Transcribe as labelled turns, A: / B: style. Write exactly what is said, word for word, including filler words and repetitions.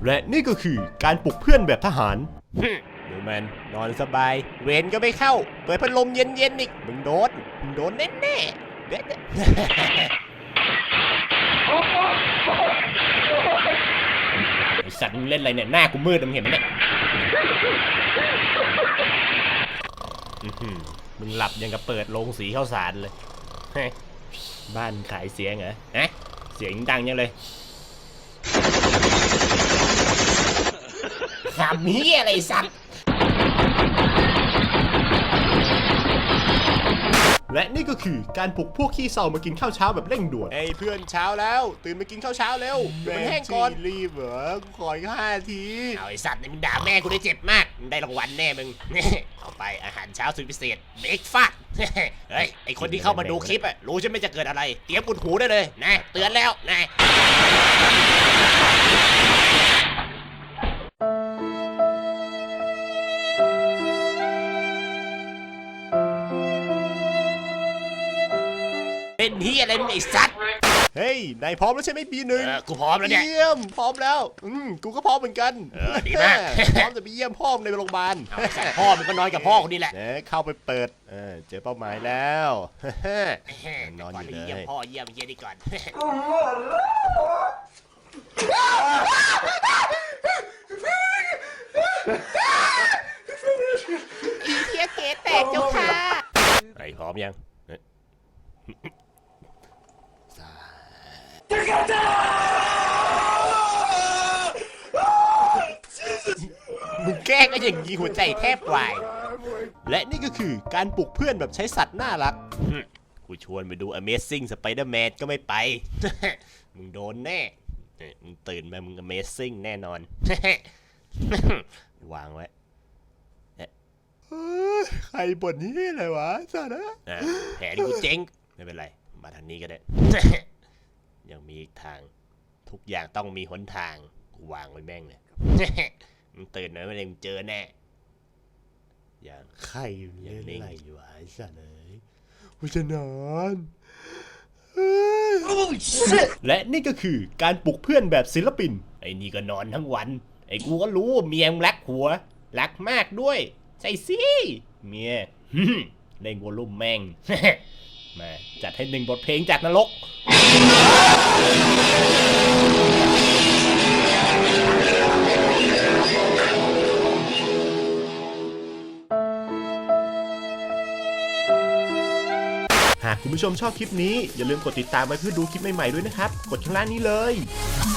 A: และนี่ก็คือการปลุกเพื่อนแบบทหารดูมันนอนสบายเวรก็ไม่เข้าเปิดพัดลมเย็นๆอีกมึงโดนมึงโดนแน่แน่เด็ดไอสัตว์มึงเล่นอะไรเนี่ยหน้ากูมืดมึงเห็นไหมเนี่ยมึงหลับยังกับเปิดโรงสีข้าวสารเลยบ้านขายเสียงเหรอฮะเสียงดังยังเลยขำเฮียอะไรสัตว์และนี่ก็คือการปลุกพวกขี้เศร้ามากินข้าวเช้าแบบเร่งด่วนไอ้เพื่อนเช้าแล้วตื่นมากินข้าวเช้าเร็วมันแห้งก่อนรีบเหรอขออีกห้าทีเอาไอ้สัตว์นี่มึงด่าแม่กูได้เจ็บมากมึงได้รางวัลแน่มึงเอาไปอาหารเช้าสุดพิเศษเบรกฟาสต์เฮ้ยไอคนที่เข้ามาดูคลิปอะรู้ใช่ไหมจะเกิดอะไรเตรียมปุดหูได้เลยนะเตือนแล้วนะเป็นเฮียอะไรมึงไอ้สัตว์เฮ้ยนายพร้อมแล้วใช่ไหมปีหนึ่งกูพร้อมแล้วเนี่ยเยี่ยมพร้อมแล้วอืมกูก็พร้อมเหมือนกันเออดีมากพร้อมจะไปเยี่ยมพ่อในโรงพยาบาลพ่อมันก็นอนกับพ่อคนนี้แหละเข้าไปเปิดเออเจอเป้าหมายแล้วนอนอยู่เลยเยี่ยมพ่อเยี่ยมเยี่ยมดีก่อนอีเทียเกตแตกเจ้าค่ะไอ้พร้อมยังมึงแกล้งก็อย่างนี้หัวใจแทบวายและนี่ก็คือการปลุกเพื่อนแบบใช้สัตว์น่ารักกูชวนไปดู Amazing Spider-Man ก็ไม่ไปมึงโดนแน่มึงตื่นมามึง Amazing แน่นอนวางไว้ใครบ่นนี่อะไรวะสัตว์นะแผลที่กูเจ๊งไม่เป็นไรมาทางนี้ก็ได้ยังมีอีกทางทุกอย่างต้องมีหนทางกูวางไว้แม่งเลยมึงตื่นหน่อยไม่ได้มึงเจอแน่อย่างใครยังนิ่งอยู่ไอ้สัตว์เลยกูจะนอนและนี่ก็คือการปลุกเพื่อนแบบศิลปินไอ้นี่ก็นอนทั้งวันไอ้กูก็รู้ว่าเมียมึงรักหัวรักมากด้วยใช่สิเมียเล่นวอลลุ่มแม่งมาจัดให้หนึ่งบทเพลงจากนรกหากคุณผู้ชมชอบคลิปนี้อย่าลืมกดติดตามไว้เพื่อดูคลิปใหม่ๆด้วยนะครับกดข้างล่างนี้เลย